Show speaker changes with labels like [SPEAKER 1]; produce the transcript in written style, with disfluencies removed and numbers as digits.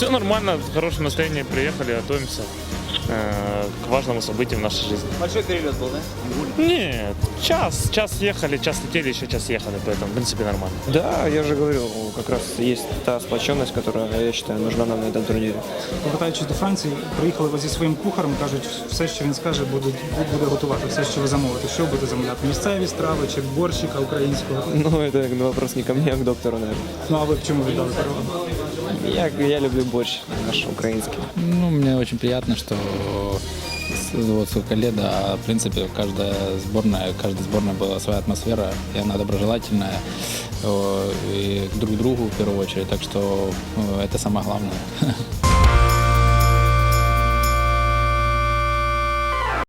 [SPEAKER 1] Все нормально, хорошее настроение, приехали, готовимся к важному событию в нашей жизни.
[SPEAKER 2] Большой перелет был, да?
[SPEAKER 1] Нет, час ехали, час летели, еще час ехали, поэтому, в принципе, нормально.
[SPEAKER 3] Да, я же говорю, как раз есть та сплоченность, которая, я считаю, нужна нам на этом турнире.
[SPEAKER 4] Повертаючись до Франції, приїхали ви зі своїм кухарем, кажуть, все, що він скаже, буде готувати, все, що ви замовите. Що будете замовляти? Місцеві страви чи борщика українського?
[SPEAKER 3] Ну, это вопрос не ко мне, а к доктору, наверное.
[SPEAKER 4] Ну, а ви в чому віддали перевагу?
[SPEAKER 3] Я люблю борщ наш украинский.
[SPEAKER 5] Ну, мне очень приятно, что вот сколько лет, а в принципе каждая сборная была своя атмосфера, и она доброжелательная и друг к другу в первую очередь, так что это самое главное.